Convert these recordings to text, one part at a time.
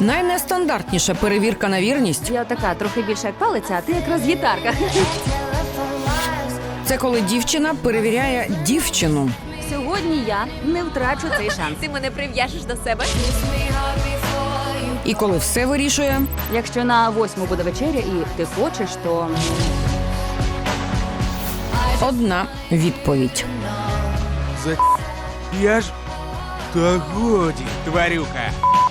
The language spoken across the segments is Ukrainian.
Найнестандартніша перевірка на вірність Я така трохи більше як палиця, а ти якраз гітарка. – це коли дівчина перевіряє дівчину. Сьогодні я не втрачу цей шанс. Ти мене прив'яжеш до себе? І коли все вирішує Якщо на 8 буде вечеря і ти хочеш, то... одна відповідь. Я ж... Та годі, тварюка.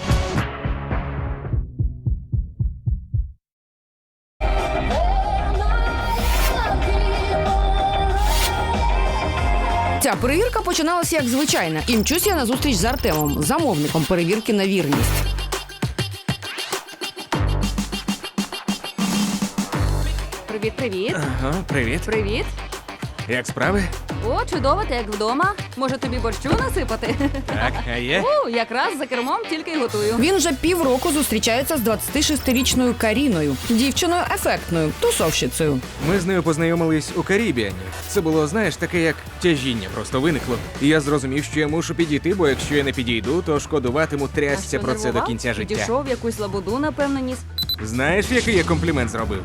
Ця перевірка починалася як звичайна. І мчусь я на зустріч з Артемом, замовником перевірки на вірність. Привіт-привіт. Ага, привіт. Привіт. Як справи? О, чудово, ти як вдома. Може тобі борщу насипати? Так, а є? Якраз за кермом тільки й готую. Він вже півроку зустрічається з 26-річною Каріною, дівчиною ефектною, тусовщицею. Ми з нею познайомились у Карібіані. Це було, знаєш, таке як тяжіння просто виникло. І я зрозумів, що я мушу підійти, бо якщо я не підійду, то шкодуватиму трясця про це до кінця життя. Дійшов якусь лабуду, напевно, ніс. Знаєш, який я комплімент зробив?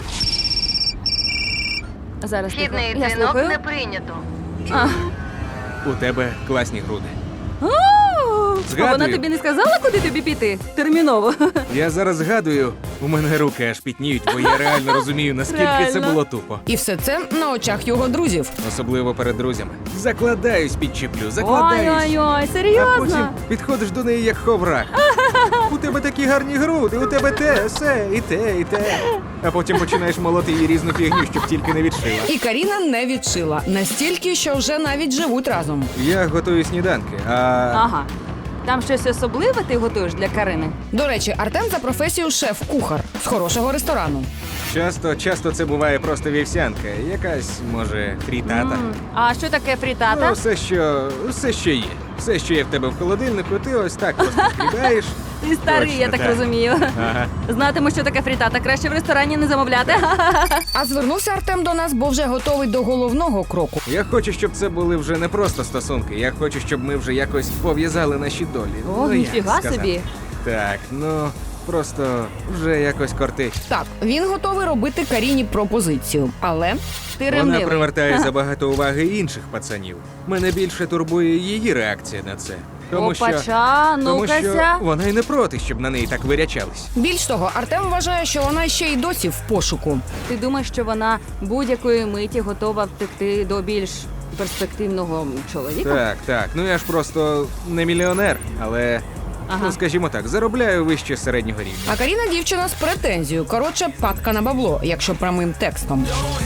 Зараз тихо. Хідний Я дзвінок слухаю. не прийнято. У тебе класні груди. А Згадую. вона тобі не сказала, куди тобі піти? Терміново. Я зараз згадую, у мене руки аж пітніють, бо я реально розумію, наскільки це Реально. було тупо. І все це на очах його друзів. Особливо перед друзями. Закладаюсь, підчіплю, закладаюсь. Ой-ой-ой, А потім серйозно? підходиш до неї як ховрах. У тебе такі гарні груди, у тебе те, все, і те, і те. А потім починаєш молоти її різну фігню, щоб тільки не відшила. І Каріна не відшила. Настільки, що вже навіть живуть разом. Я готую сніданки, а Ага. Там щось особливе ти готуєш для Карини? До речі, Артем за професією шеф-кухар з хорошого ресторану. часто це буває просто вівсянка. Якась, може, фрітата. А що таке фрітата? Ну, все, що є. Все, що є в тебе в холодильнику, ти ось так просто скидаєш. Ти старий, Точно, я так так. розумію. Ага. Знатиму, що таке фрітата. Краще в ресторані не замовляти. А звернувся Артем до нас, бо вже готовий до головного кроку. Я хочу, щоб це були вже не просто стосунки. Я хочу, щоб ми вже якось пов'язали наші долі. О, як ніфіга сказати? собі. Так, ну просто вже якось кортить. Так, він готовий робити Каріні пропозицію. Але Ти Вона ревнивий. привертає забагато уваги інших пацанів. Мене більше турбує її реакція на це. Тому що Опача, ну-кася. вона й не проти, щоб на неї так вирячались. більш того, Артем вважає, що вона ще й досі в пошуку. Ти думаєш, що вона будь-якої миті готова втекти до більш перспективного чоловіка? Так. Ну я ж просто не мільйонер, але Ага. ну скажімо так, заробляю вище середнього рівня. А Каріна дівчина з претензією. Коротше, падка на бабло, якщо прямим текстом.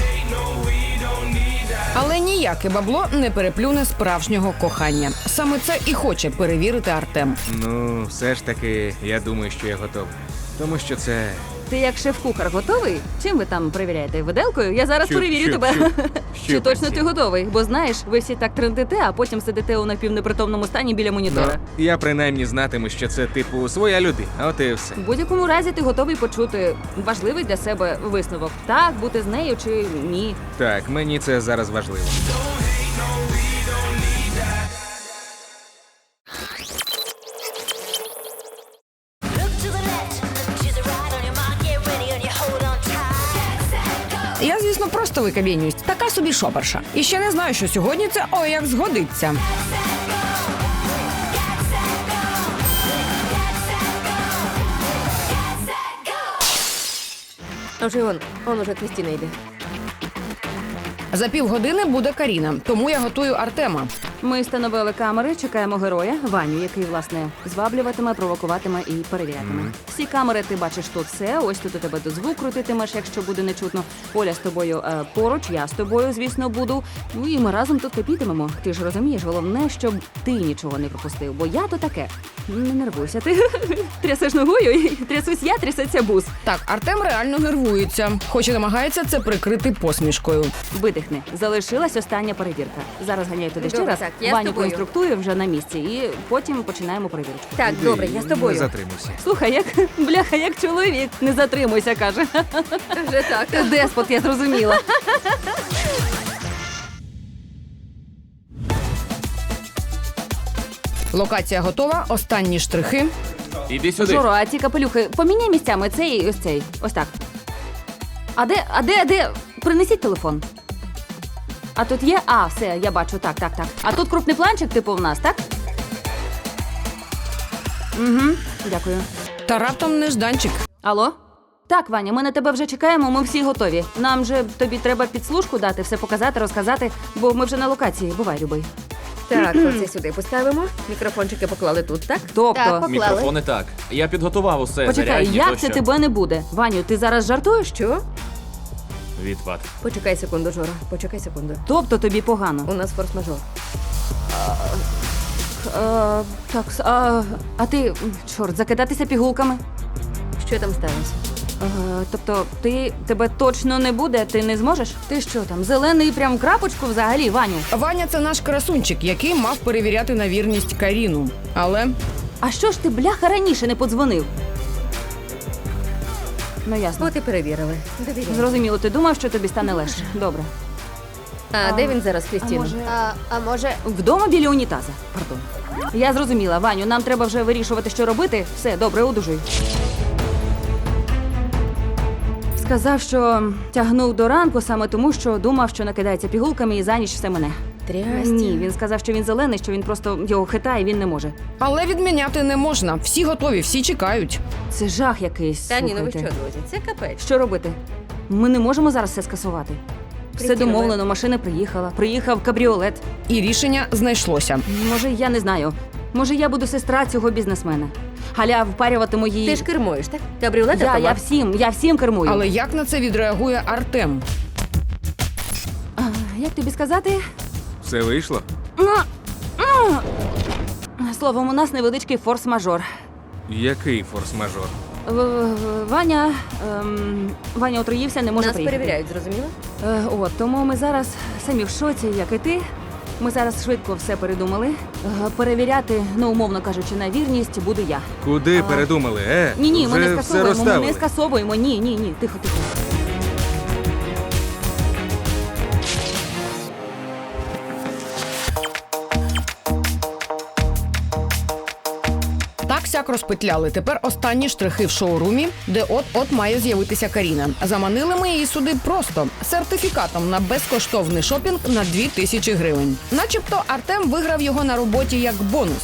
Але ніяке бабло не переплюне справжнього кохання. Саме це і хоче перевірити Артем. Ну, все ж таки, я думаю, що я готовий. Тому що це. Ти як шеф-кухар готовий? Чим ви там перевіряєте? Виделкою? Я зараз Що- перевірю що- тебе. що Чи точно працює? ти готовий? Бо знаєш, ви всі так трендите, а потім сидите у напівнепритомному стані біля монітора. Я принаймні знатиму, що це типу своя людина, а от і все. В будь-якому разі ти готовий почути важливий для себе висновок. Так, бути з нею чи ні. Так, мені це зараз важливо. Я, звісно, просто викабінююсь. Така собі шоперша. І ще не знаю, що сьогодні це ой як згодиться. А вже он уже Крістіна йде. За півгодини буде Каріна, тому я готую Артема. Ми встановили камери, чекаємо героя, Ваню, який, власне, зваблюватиме, провокуватиме і перевірятиме. Всі камери ти бачиш тут все, ось тут у тебе до звук крутитимеш, якщо буде нечутно. Оля з тобою поруч, я з тобою, звісно, буду. Ну і ми разом тут кипітимемо. Ти ж розумієш, головне, щоб ти нічого не пропустив, бо я то таке. Не нервуйся, ти трясеш ногою, і трясусь я, трясеться бус. Так, Артем реально нервується, хоч і намагається це прикрити посмішкою. Видихни. Залишилась остання перевірка. Зараз ганяю туди ще Добре, раз. так, я з Ваню тобою. проінструктую вже на місці, і потім починаємо перевірку. Так, добре, я з тобою. Не затримуйся. Слухай, як бляха, як чоловік. Не затримуйся, каже. Вже так. Ти деспот, я зрозуміла. Локація готова, останні штрихи. Іди сюди. Жоро, а ці капелюхи поміняй місцями цей і ось цей. Ось так. А де? Принесіть телефон. А тут є? А, все, я бачу, так. А тут крупний планчик, типу, в нас, так? Угу, дякую. Та раптом нежданчик. Алло? Так, Ваня, ми на тебе вже чекаємо, ми всі готові. Нам же тобі треба підслужку дати, все показати, розказати, бо ми вже на локації. Бувай, любий. Так, оце сюди поставимо. Мікрофончики поклали тут, так? Тобто, Так, поклали. Мікрофони так. Я підготував усе. почекай, зарядні, як тощо. це тебе не буде? Ваню, ти зараз жартуєш? Що? Відпад. Почекай секунду, Жора. Почекай секунду. Тобто тобі погано. У нас форс-мажор. Так, а ти, чорт, закидатися пігулками? Що там сталося? Тобто, тебе точно не буде, ти не зможеш? Ти що там, зелений прям крапочку взагалі, Ваню? Ваня це наш красунчик, який мав перевіряти на вірність Каріну. Але А що ж ти, бляха, раніше не подзвонив? Ну, ясно. От і перевірили. Довіряй. Зрозуміло, ти думав, що тобі стане легше. Добре. А де він зараз, Крістіно? А може, Вдома біля унітаза. Пардон. Я зрозуміла, Ваню, нам треба вже вирішувати, що робити. Все, добре, одужуй. Сказав, що тягнув до ранку саме тому, що думав, що накидається пігулками і за ніч все мене. Трястя. Ні, він сказав, що він зелений, що він просто його хитає, він не може. Але відміняти не можна. Всі готові, всі чекають. Це жах якийсь. Та ні, ну ви що, слухайте. друзі? Це капець. Що робити? Ми не можемо зараз все скасувати. Все Крістіно, домовлено, машина приїхала. Приїхав кабріолет. І рішення знайшлося. Може, я не знаю. Може, я буду сестра цього бізнесмена. Галя впарюватиму її. Ти ж кермуєш, так? Кабріолет Я всім кермую. Але як на це відреагує Артем? Як тобі сказати? Все вийшло? Словом, у нас невеличкий форс-мажор. Який форс-мажор? Ваня, Ваня отруївся, не може Нас приїхати. перевіряють, зрозуміло? Тому ми зараз самі в шоці, як і ти. Ми зараз швидко все передумали. Перевіряти, ну, умовно кажучи, на вірність буду я. Куди передумали? Ні, ми вже не все скасовуємо, ми розставили. не скасовуємо. Ні, тихо. Так сяк розпетляли. Тепер останні штрихи в шоурумі, де от-от має з'явитися Каріна. Заманили ми її сюди просто сертифікатом на безкоштовний шопінг на 2000 гривень. Начебто Артем виграв його на роботі як бонус.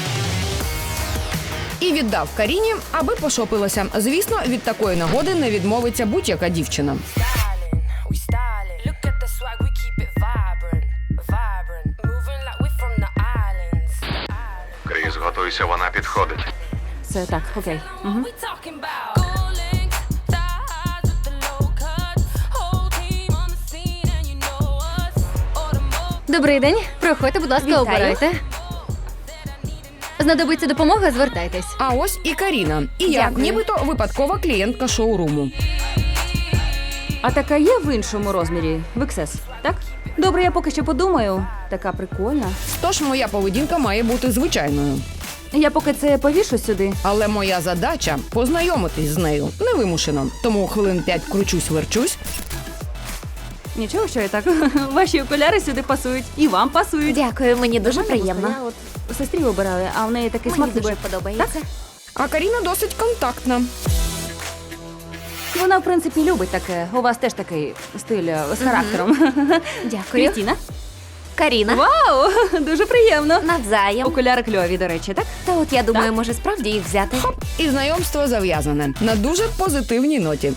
І віддав Каріні, аби пошопилася. Звісно, від такої нагоди не відмовиться будь-яка дівчина. We styling. Look at the swag, we keep it vibrant, vibrant. Moving like we from the islands. Кріс, готуйся, вона підходить. Все так, окей. Угу. We talking about gold links, thigh highs with the low cuts. Whole team on the scene and you know us. Automotive. Добрий день. Проходьте, будь ласка, Вітаю. обирайте. Знадобиться допомога, звертайтесь. А ось і Каріна. І я, Дякую. нібито випадкова клієнтка шоуруму. А така є в іншому розмірі, в XS, так? Добре, я поки що подумаю. Така прикольна. Тож моя поведінка має бути звичайною. Я поки це повішу сюди. Але моя задача познайомитись з нею невимушено. Тому хвилин 5 кручусь-верчусь. Нічого, що я так. Ваші окуляри сюди пасують. І вам пасують. дякую, мені дуже Нормально, приємно. просто Я от сестрі обирали, а в неї такий Мені смак. дуже ніби- подобається. А Каріна досить контактна. Вона, в принципі, любить таке. У вас теж такий стиль з характером. Дякую. Крістіна? Каріна. Вау! Дуже приємно. Навзаєм. Окуляри кльові, до речі, так? Та от я думаю, Так. може справді їх взяти. І знайомство зав'язане на дуже позитивній ноті.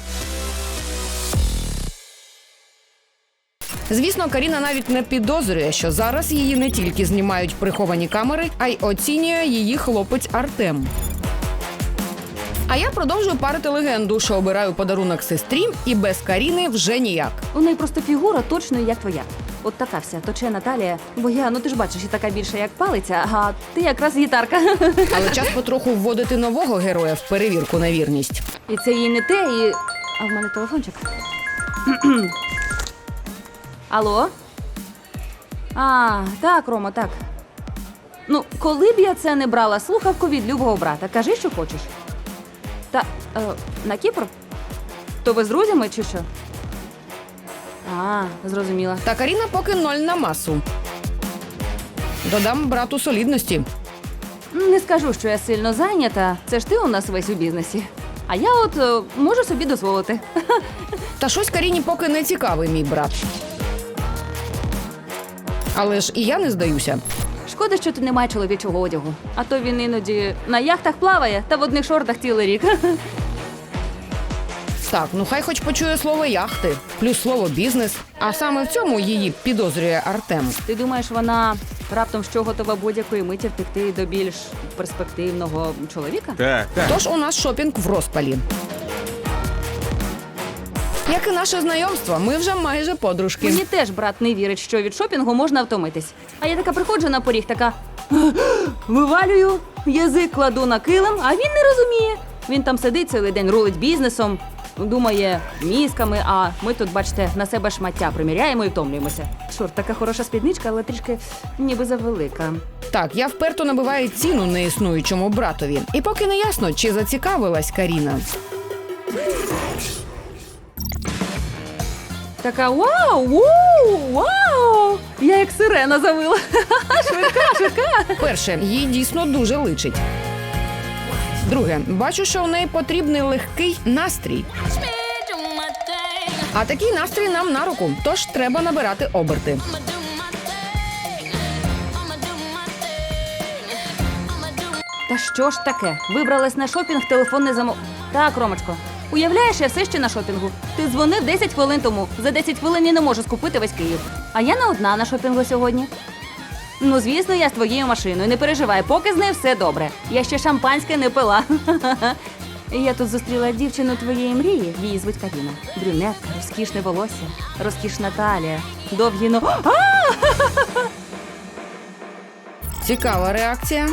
Звісно, Каріна навіть не підозрює, що зараз її не тільки знімають приховані камери, а й оцінює її хлопець Артем. А я продовжую парити легенду, що обираю подарунок сестрі, і без Каріни вже ніяк. У неї просто фігура точно як твоя. От така вся точена талія. Бо я, ну ти ж бачиш, і така більша, як палиця, а ти якраз гітарка. Але час потроху вводити нового героя в перевірку на вірність. І це їй не те, і. А в мене телефончик. Алло? А, так, Рома, так. Ну, коли б я це не брала слухавку від любого брата, кажи, що хочеш. Та на Кіпр? То ви з друзями чи що? А, зрозуміла. Та Каріна поки 0 на масу. Додам брату солідності. Не скажу, що я сильно зайнята. Це ж ти у нас весь у бізнесі. А я от можу собі дозволити. Та щось Каріні поки не цікавий мій брат. Але ж і я не здаюся. Шкода, що тут немає чоловічого одягу. А то він іноді на яхтах плаває та в одних шортах цілий рік. Так, ну хай хоч почує слово яхти, плюс слово бізнес. А саме в цьому її підозрює Артем. Ти думаєш, вона раптом що готова будь-якої миті втекти до більш перспективного чоловіка? Так, так. Тож у нас шопінг в розпалі. Як і наше знайомство, ми вже майже подружки. Мені теж брат не вірить, що від шопінгу можна втомитись. А я така приходжу на поріг, така вивалюю, язик кладу на килим, а він не розуміє. Він там сидить цілий день, рулить бізнесом, думає мізками, а ми тут, бачите, на себе шмаття приміряємо і втомлюємося. Чорт, така хороша спідничка, але трішки ніби завелика. Так, я вперто набиваю ціну неіснуючому братові. І поки не ясно, чи зацікавилась Каріна. Така вау, вау, вау! Я як сирена завила. Швидка. Перше, їй дійсно дуже личить. Друге, бачу, що в неї потрібний легкий настрій. Do my thing. А такий настрій нам на руку, тож треба набирати оберти. I'ma do my thing. I'ma do my thing. I'ma do Та що ж таке? Вибралась на шопінг, телефон не замов... Так, Ромочко, уявляєш, я все ще на шопінгу. Ти дзвонив 10 хвилин тому. За 10 хвилин я не можу скупити весь Київ. А я не одна на шопінгу сьогодні. Ну, звісно, я з твоєю машиною. Не переживай, поки з нею все добре. Я ще шампанське не пила. Я тут зустріла дівчину твоєї мрії. Її звуть Каріна. Брюнетка, розкішне волосся, розкішна талія, довгі Цікава реакція.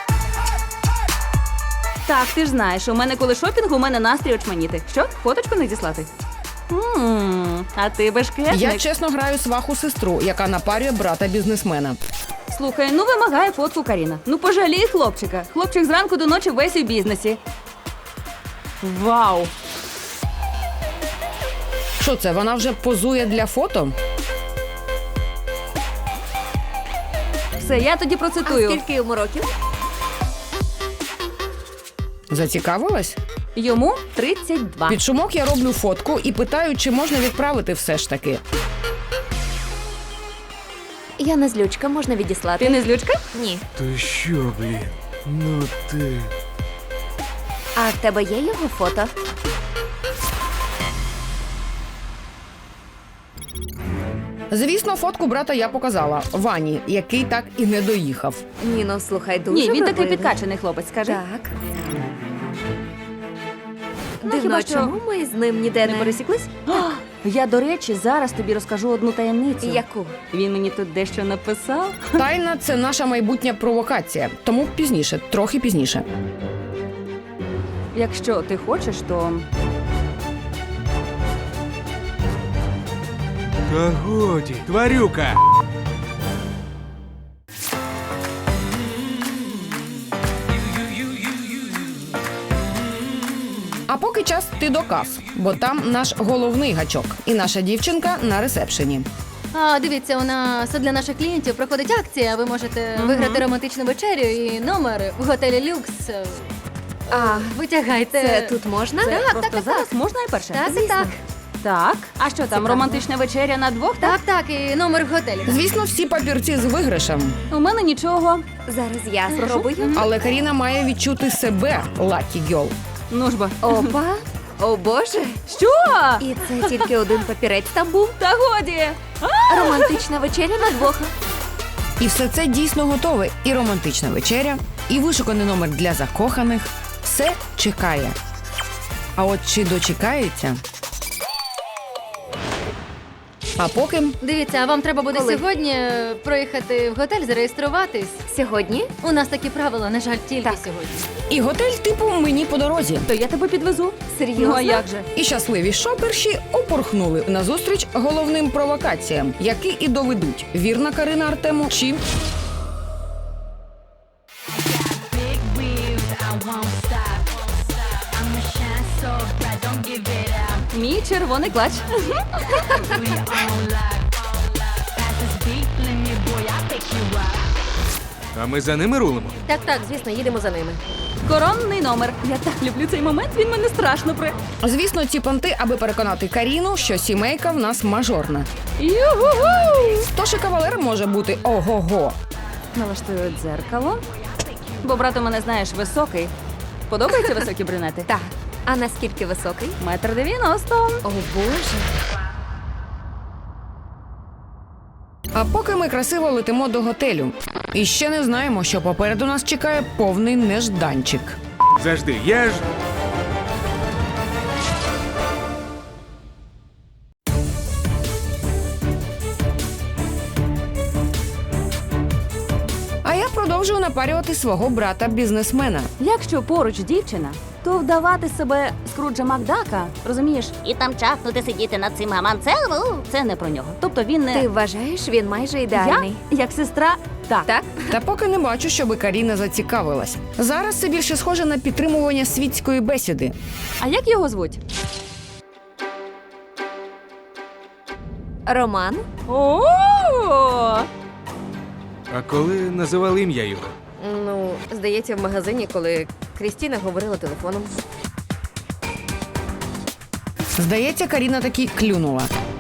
Так, ти ж знаєш, у мене коли шопінг, у мене настрій очманіти. Що, фоточку не діслати? А ти бешкетник. Я чесно граю сваху сестру, яка напарює брата бізнесмена. Слухай, ну вимагає фотку Каріна. Ну пожалій хлопчика. Хлопчик зранку до ночі весь у бізнесі. Вау! Що це, вона вже позує для фото? Все, я тоді процитую. Скільки йому років? Зацікавилась? Йому 32. Під шумок я роблю фотку і питаю, чи можна відправити все ж таки. Я не злючка, можна відіслати. Ти не злючка? Ні. То що, блін? Ну ти. А в тебе є його фото? Звісно, фотку брата я показала Вані, який так і не доїхав. Ні, ну слухай, дуже Ні, він такий вродливий. підкачаний хлопець, скажи. Так. Ну, Дивно, хіба а що чому ми з ним ніде не не пересіклись? Я, до речі, зараз тобі розкажу одну таємницю. Яку? Він мені тут дещо написав. Тайна – це наша майбутня провокація, тому пізніше, трохи пізніше. Якщо ти хочеш, то Та годі, тварюка! А поки час ти до кас, бо там наш головний гачок і наша дівчинка на ресепшені. Дивіться, у нас для наших клієнтів проходить акція. Ви можете виграти романтичну вечерю і номер в готелі Люкс. А, Витягайте. це тут можна? це Так, просто так, зараз так. можна і перше? Так, Звісно. так. Так. А що там, Цікаво. романтична вечеря на двох? Так, так, і номер в готелі. Звісно, всі папірці з виграшем, У мене нічого. Зараз я Прошу. спробую. але Каріна має відчути себе Lucky Girl. Ну ж бо. Опа. О боже. Що? І це тільки один папірець там був. Та годі. Романтична вечеря на двох. І все це дійсно готове. І романтична вечеря, і вишуканий номер для закоханих. Все чекає. А от чи дочекається? А поки Дивіться, а вам треба буде Коли? сьогодні проїхати в готель, зареєструватись. Сьогодні? У нас такі правила, на жаль, тільки сьогодні. і готель типу мені по дорозі. То я тебе підвезу. Серйозно? Ну а як же? І щасливі шоперші упорхнули назустріч головним провокаціям, які і доведуть, вірна Карина Артему чи... Мій червоний клач. А ми за ними рулимо. Так, звісно, їдемо за ними. Коронний номер. Я так люблю цей момент, він мене страшно при. Звісно, ці понти, аби переконати Каріну, що сімейка в нас мажорна. Югу! Тож і кавалер може бути ого-го. Налаштую дзеркало. Бо брат у мене, знаєш, високий. Подобаються високі брюнети? Так. А наскільки високий? 1,90 м. О, Боже. А поки ми красиво летимо до готелю. І ще не знаємо, що попереду нас чекає повний нежданчик. Завжди, я ж. А я продовжую напарювати свого брата-бізнесмена. Якщо поруч дівчина, то вдавати себе Скруджа Макдака, розумієш? І там чахнути сидіти над цим гаманцем? Це не про нього. Тобто він не Ти вважаєш, він майже ідеальний? я, як сестра, так. Так? Та поки не бачу, щоби Каріна зацікавилась. Зараз це більше схоже на підтримування світської бесіди. А як його звуть? Роман? О! А коли називали ім'я його? Ну, здається, в магазині, коли Крістіна говорила телефоном. Здається, Каріна таки клюнула.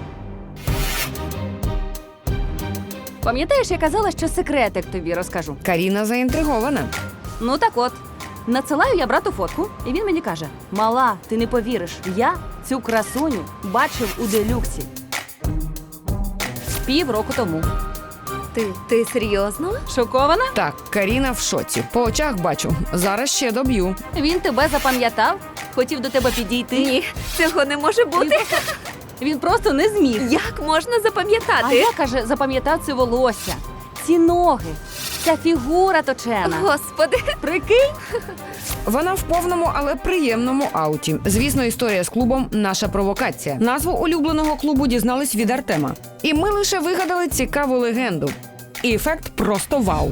Пам'ятаєш, я казала, що секретик тобі розкажу. Каріна заінтригована. Ну так от, надсилаю я брату фотку, і він мені каже: мала, ти не повіриш, я цю красуню бачив у делюксі. Півроку тому. Ти серйозно? Шокована? Так, Каріна в шоці. По очах бачу. Зараз ще доб'ю. Він тебе запам'ятав? Хотів до тебе підійти? Ні, цього не може бути. Він просто не зміг. Як можна А запам'ятати? я, каже, запам'ятав це волосся, ці ноги, ця фігура точена. Господи. Прикинь? Вона в повному, але приємному ауті. Звісно, історія з клубом – наша провокація. Назву улюбленого клубу дізнались від Артема. І ми лише вигадали цікаву легенду. І ефект просто вау.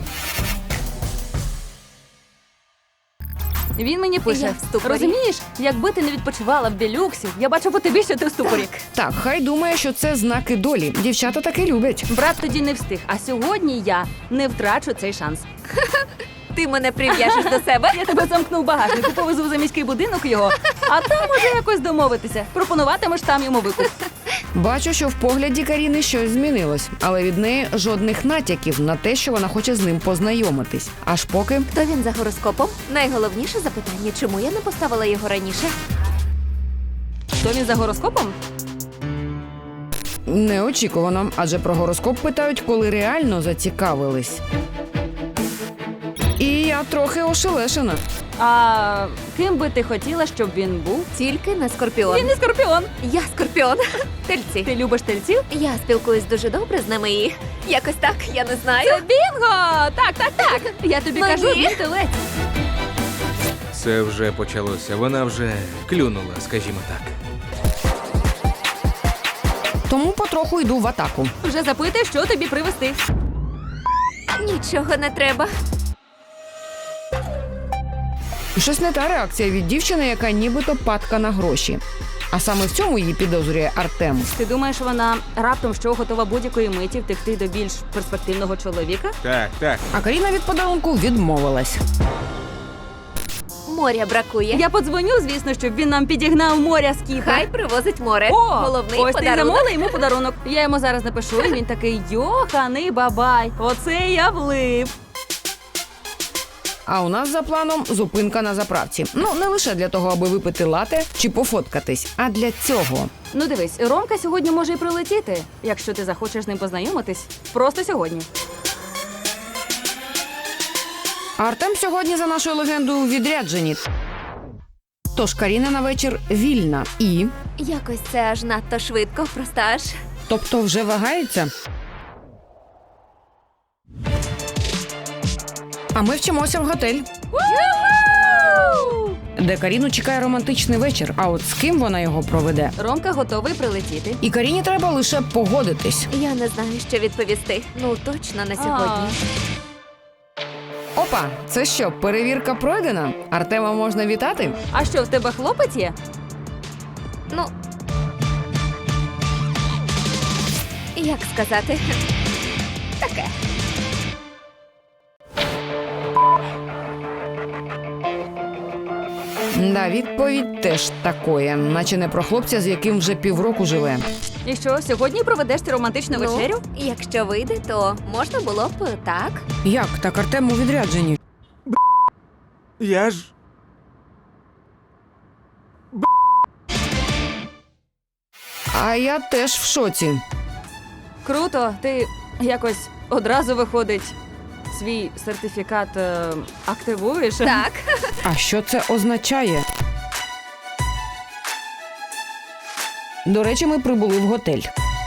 Він мені пише: Я в ступорі. розумієш, якби ти не відпочивала в делюксі, я бачу по тобі, що ти в ступорі. Так, хай думає, що це знаки долі. Дівчата таки люблять. Брат тоді не встиг, а сьогодні я не втрачу цей шанс. Ти мене прив'яжеш до себе? Я тебе замкну в багажнику, повезу за міський будинок його, а там може якось домовитися. Пропонуватимеш там йому викуп. Бачу, що в погляді Каріни щось змінилось, але від неї жодних натяків на те, що вона хоче з ним познайомитись. Аж поки Хто він за гороскопом? Найголовніше запитання, чому я не поставила його раніше? Хто він за гороскопом? неочікувано, адже про гороскоп питають, коли реально зацікавились. І я трохи ошелешена. А ким би ти хотіла, щоб він був? Тільки на скорпіон. Він не скорпіон. Я скорпіон. Тельці. Ти любиш тельців? Я спілкуюсь дуже добре з ними і якось так, я не знаю. Це бінго! Так. Я тобі Ну, кажу, ні. він телець. Це вже почалося. Вона вже клюнула, скажімо так. Тому потроху йду в атаку. Вже запитує, що тобі привезти. Нічого не треба. Щось не та реакція від дівчини, яка нібито падка на гроші. А саме в цьому її підозрює Артем. Ти думаєш, вона раптом що готова будь-якої миті втекти до більш перспективного чоловіка? Так. А Каріна від подарунку відмовилась. Моря бракує. Я подзвоню, звісно, щоб він нам підігнав моря з Кіпра. Хай привозить море. О, Головний ось ти подарунок. замовила йому подарунок. Я йому зараз напишу, і він такий: йоханий бабай, оце я влип. А у нас за планом зупинка на заправці. Ну, не лише для того, аби випити лате чи пофоткатись, а для цього. Ну дивись, Ромка сьогодні може і прилетіти, якщо ти захочеш з ним познайомитись. Просто сьогодні. А Артем сьогодні, за нашою легендою, у відрядженні. Тож Каріна на вечір вільна і... Якось це аж надто швидко, просто аж. Тобто вже вагається? А ми вчимося в готель, де Каріну чекає романтичний вечір. А от з ким вона його проведе? Ромка готовий прилетіти. І Каріні треба лише погодитись. Я не знаю, що відповісти. Ну, точно на сьогодні. Опа, це що, перевірка пройдена? Артема можна вітати? А що, в тебе хлопець є? Ну, як сказати? Таке. Да, відповідь теж такої, наче не про хлопця, з яким вже півроку живе. І що, сьогодні проведеш ти романтичну вечерю? Якщо вийде, то можна було б так. Як? Так Артем у відрядженні. Я ж. А я теж в шоці. Круто, ти якось одразу виходить. Свій сертифікат активуєш? Так. А що це означає? До речі, ми прибули в готель.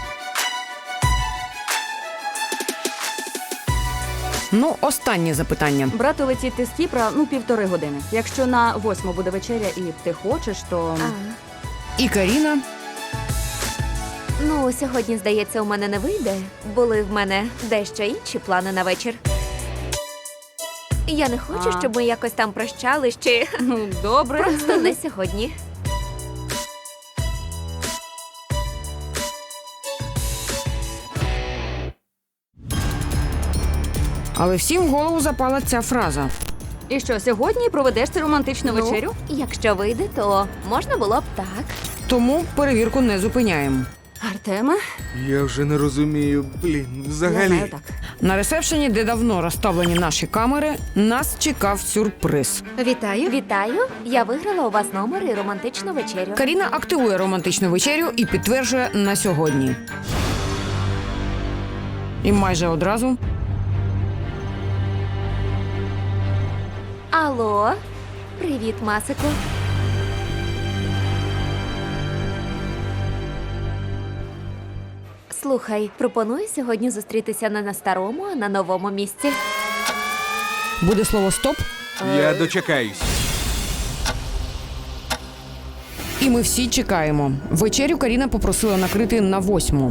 Ну, останнє запитання. Брати летіти з Кіпра, 1,5 години. Якщо на 8 буде вечеря і ти хочеш, то... І Каріна. Ну, сьогодні, здається, у мене не вийде. Були в мене дещо інші плани на вечір. Я не хочу, щоб ми якось там прощались чи Ну, добре. просто не сьогодні. Але всім в голову запала ця фраза. І що, сьогодні проведеш ти романтичну вечерю? Якщо вийде, то можна було б так. Тому перевірку не зупиняємо. Артеме? Я вже не розумію, блін, Я взагалі. знаю так. На ресепшені, де давно розставлені наші камери, нас чекав сюрприз. Вітаю. Вітаю! Я виграла у вас номер і романтичну вечерю. Каріна активує романтичну вечерю і підтверджує на сьогодні. І майже одразу Алло, привіт, Масику. Слухай, пропоную сьогодні зустрітися не на старому, а на новому місці. буде слово «стоп», Я дочекаюсь. і ми всі чекаємо. Вечерю Каріна попросила накрити на 8.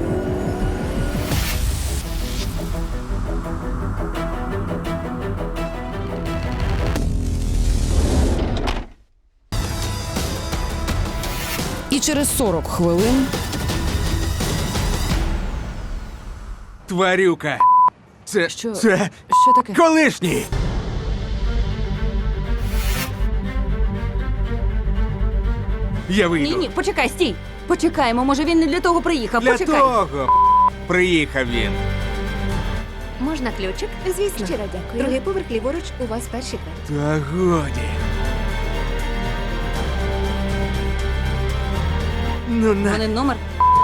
І через 40 хвилин Тварюка. Це. Що? Це. Що таке? Колишній! Я вийду. Ні, почекай, стій. Почекаємо, може він не для того приїхав. Для Почекай. того приїхав він. Можна ключик? Звісно. Щиро дякую. Другий поверх ліворуч, у вас перший квартир. Та годі. Ну на. Вони номер.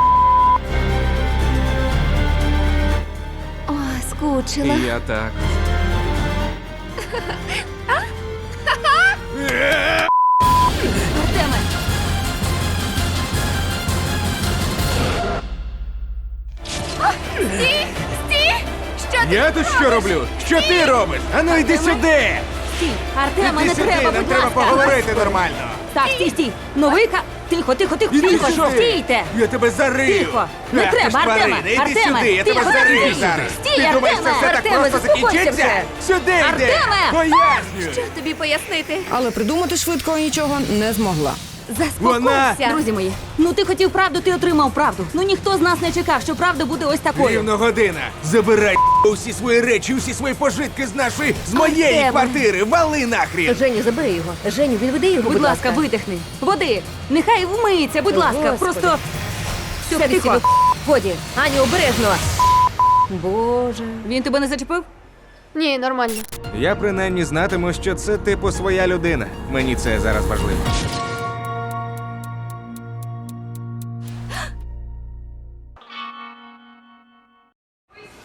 О, скучила. Я так. Артеме! Я тут що роблю? Що ти робиш? Ану йди сюди! Стій! Артеме, Іди не сюди, треба, нам будь треба ласка! поговорити нормально. Так, стій! Новий Тихо, Іди тихо, сюди. стійте! Я тебе зарию. Тихо. Не Ах, ти треба, ж тварина. Артеме, Іди Артеме, сюди, я тихо, тебе зарию стій. зараз. Стій, Ти думаєш, це Артеме. все так Артеме, просто заспокойся закінчиться? вже. Сюди йди. Артеме. Пояснюю. Що тобі пояснити? але придумати швидко нічого не змогла. Заспокойся. Друзі мої, ти хотів правду, ти отримав правду. Ніхто з нас не чекав, що правда буде ось такою. Рівно година. Забирай усі свої речі, усі свої пожитки з моєї Артеме. квартири. Вали нахрін. Женю, забери його. Женю, відведи його, Будь ласка, видихни. Води. Нехай вмиється, будь ласка. Господи. Просто Все, тихо. Годі. Аню, обережно. Боже. Він тебе не зачепив? Ні, нормально. Я принаймні знатиму, що це типу своя людина. Мені це зараз важливо.